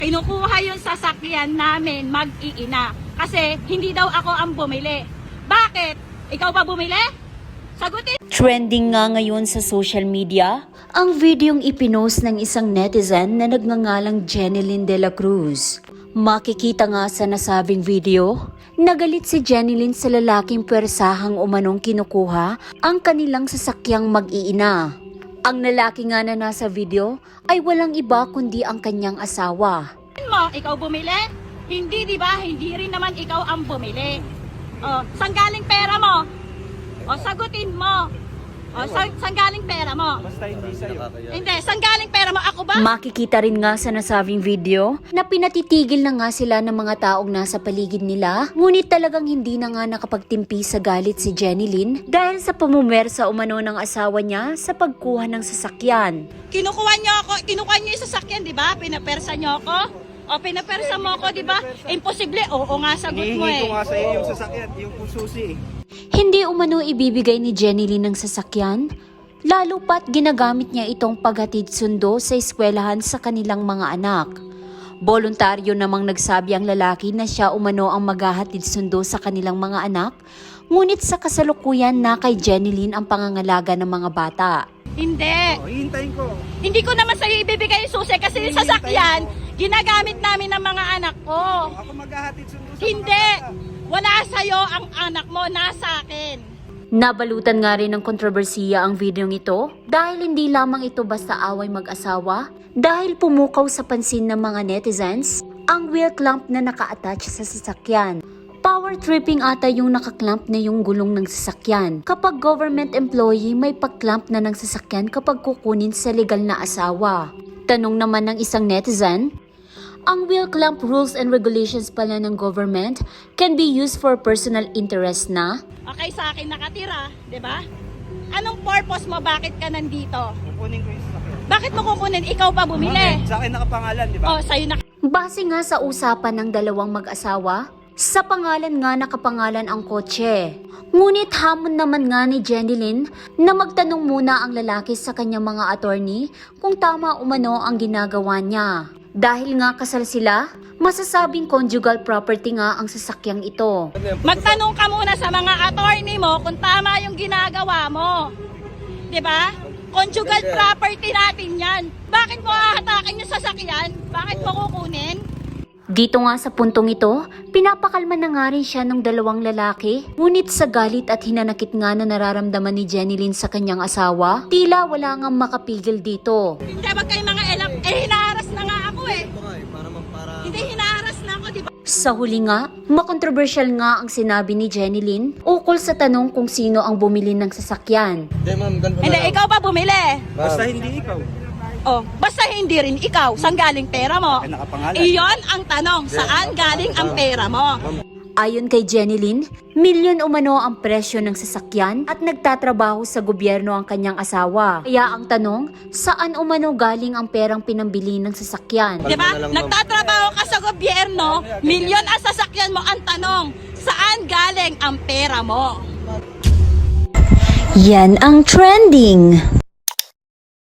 Kinukuha yung sasakyan namin mag-iina. Kasi hindi daw ako ang bumili. Bakit? Ikaw ba bumili? Sagutin! Trending nga ngayon sa social media ang videong ipinost ng isang netizen na nagngangalang Jenilyn De La Cruz. Makikita nga sa nasabing video, nagalit si Jenilyn sa lalaking pwersahang umanong kinukuha ang kanilang sasakyang mag-iina. Ang lalaki nga na nasa video ay walang iba kundi ang kanyang asawa. Ikaw bumili? Hindi, di ba? Hindi rin naman ikaw ang bumili. O, saan galing pera mo? O, sagutin mo. O, saan galing pera mo? Basta hindi sa'yo. Hindi, saan galing pera mo? Ako ba? Makikita rin nga sa nasabing video na pinatitigil na nga sila ng mga taong nasa paligid nila, ngunit talagang hindi na nga nakapagtimpi sa galit si Jenilyn dahil sa pumumersa umano ng asawa niya sa pagkuha ng sasakyan. Kinukuha niyo yung sasakyan, di ba? Pinapersa niyo ako? O, pinapersa mo ako, di ba? Imposible. Oo nga, sagot mo Hinihingi eh. ko nga sa'yo yung sasakyan, yung susi eh. Hindi umano ibibigay ni Jenilyn ng sasakyan, lalo pat ginagamit niya itong paghatid sundo sa eskwelahan sa kanilang mga anak. Voluntaryo namang nagsabi ang lalaki na siya umano ang maghahatid sundo sa kanilang mga anak, ngunit sa kasalukuyan na kay Jenilyn ang pangangalaga ng mga bata. Hindi. Hihintayin ko. Hindi ko naman sa'yo ibibigay yung susi kasi yung sasakyan, ginagamit namin ng mga anak ko. Ako maghahatid sundo sa Hindi. mga bata. Wala sa'yo ang anak mo, nasa akin. Nabalutan nga rin ng kontrobersiya ang videong ito dahil hindi lamang ito basta away mag-asawa, dahil pumukaw sa pansin ng mga netizens ang wheel clamp na naka-attach sa sasakyan. Power tripping ata yung nakaklamp na yung gulong ng sasakyan. Kapag government employee, may pag-clamp na ng sasakyan kapag kukunin sa legal na asawa. Tanong naman ng isang netizen, ang wheel clamp rules and regulations pala ng government can be used for personal interest na? Okay, sa akin nakatira, di ba? Anong purpose mo? Bakit ka nandito? Kukunin ko yung sasakyan. Bakit mo kukunin? Ikaw pa bumili. Sa akin nakapangalan, di ba? O, sa'yo na. Base nga sa usapan ng dalawang mag-asawa, sa pangalan nga nakapangalan ang kotse. Ngunit hamon naman nga ni Jenilyn na magtanong muna ang lalaki sa kanyang mga attorney kung tama umano ang ginagawa niya. Dahil nga kasal sila, masasabing conjugal property nga ang sasakyang ito. Magtanong ka muna sa mga attorney mo kung tama yung ginagawa mo. Di ba? Conjugal property natin yan. Bakit mo ahatakin yung sasakyan? Bakit mo kukunin? Dito nga sa puntong ito, pinapakalma na nga rin siya ng dalawang lalaki. Ngunit sa galit at hinanakit nga na nararamdaman ni Jenilyn sa kanyang asawa, tila wala nga makapigil dito. Hindi, wag kayo mga elak. Hinaharas na nga ako eh. Hindi, hinaharas na ako, di ba? Sa huli nga, makontrobersyal nga ang sinabi ni Jenilyn ukol sa tanong kung sino ang bumili ng sasakyan. Hindi ma'am, ganito Hindi, na lang. ikaw ba bumili? Basta hindi ikaw. Oh, basta hindi rin ikaw. Saan galing pera mo? Ay, nakapangalan. Iyon ang tanong. Saan galing ang pera mo? Ayon kay Jenilyn, milyon umano ang presyo ng sasakyan at nagtatrabaho sa gobyerno ang kanyang asawa. Kaya ang tanong, saan umano galing ang perang pinambili ng sasakyan? Di ba? Kalma na lang, ma'am. Nagtatrabaho ka sa gobyerno, milyon ang sasakyan mo. Ang tanong, saan galing ang pera mo? Yan ang trending!